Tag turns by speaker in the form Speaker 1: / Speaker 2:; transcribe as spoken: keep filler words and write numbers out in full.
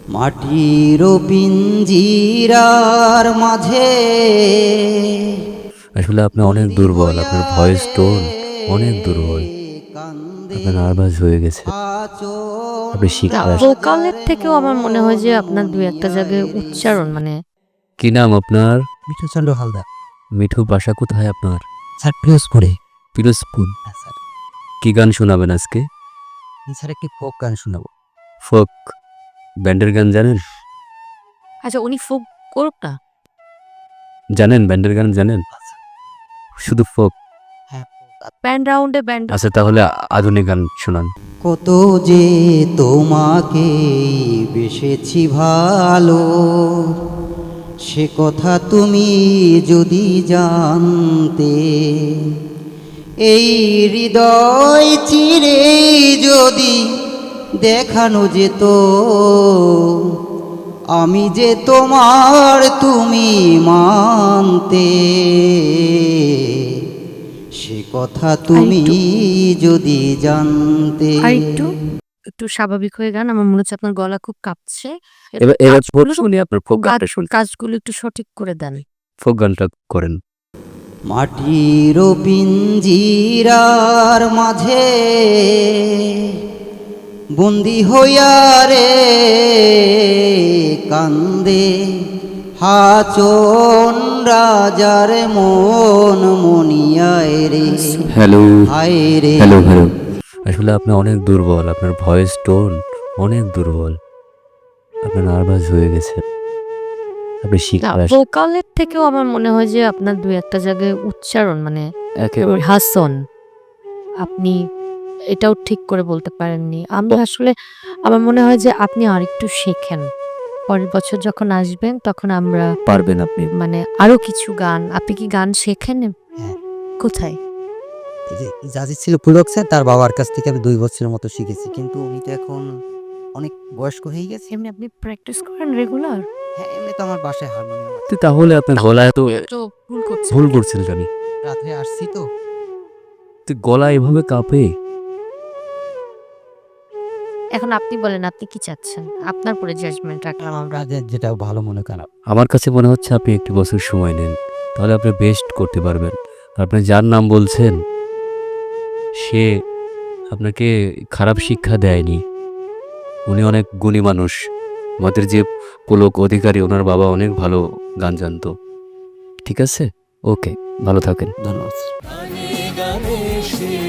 Speaker 1: মাটির পিঞ্জিরার মাঝে
Speaker 2: আসলে আপনি অনেক দুর্বল, আপনার ভয়েস টোন অনেক দুর্বল, আপনার নার্ভাস হয়ে গেছে, আপনি
Speaker 3: না,
Speaker 2: শিখতে আসেন।
Speaker 3: ভোকালের থেকেও আমার মনে হয় যে আপনার দুই একটা জায়গায় উচ্চারণ মানে
Speaker 2: কি নাম আপনার?
Speaker 1: মিঠু চন্দ্র হালদার।
Speaker 2: মিঠু, বাসা কোথায় আপনার?
Speaker 1: স্যার পিরোজপুরে।
Speaker 2: পিরোজপুর।
Speaker 1: হ্যাঁ স্যার।
Speaker 2: কি গান শোনাবেন আজকে?
Speaker 1: স্যার একটি ফোক গান শোনাবো।
Speaker 2: ফোক ব্যান্ডের গান জানেন?
Speaker 3: আচ্ছা উনি ফোক করুক না।
Speaker 2: জানেন ব্যান্ডের গান জানেন? শুধু ফোক?
Speaker 1: হ্যাঁ।
Speaker 3: ব্যান্ড রাউন্ডে ব্যান্ড
Speaker 2: আচ্ছা তাহলে আধুনিক গান শোনান।
Speaker 1: কত যে তোমাকে বেসেছি ভালো, সে কথা তুমি যদি জানতে, এই হৃদয় চিরে যদি দেখানো যেত, আমি যে তোমার তুমি মানতে, সে কথা তুমি যদি জানতে।
Speaker 3: আর একটু একটু স্বাভাবিক হয়ে গান। আমার মনে হচ্ছে আপনার গলা খুব কাঁপছে।
Speaker 2: এবার এবার ফোক
Speaker 3: কাজগুলো-
Speaker 2: শুনি, আপনার ফোক গানটা শুনি,
Speaker 3: কাজগুলো একটু সঠিক করে দেন।
Speaker 2: ফোক গানটা করেন।
Speaker 1: মাটির পিঞ্জিরার মাঝে বন্দি হইয়া রে কান্দে হাচন রাজার মন মনিয়ায় রে।
Speaker 2: হ্যালো
Speaker 1: হায় রে।
Speaker 2: হ্যালো হ্যালো আসলে আপনি অনেক দুর্বল, আপনার ভয়েস টোন অনেক দুর্বল, আপনার নার্ভাস হয়ে গেছে, আপনি
Speaker 3: না,
Speaker 2: শিখতে আসেন।
Speaker 3: ভোকালের থেকেও আমার মনে হয় যে আপনার দুই একটা জায়গায় উচ্চারণ মানে
Speaker 2: একেবারে
Speaker 3: হাসন আপনি এটাও ঠিক করে বলতে পারেননি। আমি আসলে আমার মনে হয় যে আপনি আরেকটু শেখেন। পরের বছর যখন আসবেন তখন আমরা
Speaker 2: পারবেন আপনি।
Speaker 3: মানে আরো কিছু গান আপনি কি গান শেখেন?
Speaker 1: হ্যাঁ।
Speaker 3: কোথায়?
Speaker 1: এই যে জাজি ছিল পুলক স্যার, তার বাবার কাছ থেকে আমি দুই বছরের মতো শিখেছি, কিন্তু উনি তো এখন অনেক বয়স্ক হয়ে গেছে।
Speaker 3: এমনি আপনি প্র্যাকটিস করেন রেগুলার?
Speaker 1: হ্যাঁ, এমনি তো আমার বাসায় হারমোনিয়াম আছে।
Speaker 2: তো তাহলে আপনার গলা এত
Speaker 3: তো ভুল করছেন।
Speaker 2: ভুল করছেন জানি,
Speaker 1: রাত্রে আসছি তো।
Speaker 2: তো গলা এভাবে কাঁপে।
Speaker 3: এখন আপনি বলেন আপনি কি চাচ্ছেন? আপনার উপরে জাজমেন্ট রাখলাম আমরা।
Speaker 1: কাজের যেটা ভালো মনে করেন।
Speaker 2: আমার কাছে মনে হচ্ছে আপনি একটু বছর সময় নেন, তাহলে আপনি বেস্ট করতে পারবেন। আপনি যার নাম বলছেন সে আপনাকে খারাপ শিক্ষা দেয়নি, উনি অনেক গুণী মানুষ। আমাদের যে পুলক অধিকারী, ওনার বাবা অনেক ভালো গান জানতো। ঠিক আছে, ওকে, ভালো থাকেন।
Speaker 1: ধন্যবাদ।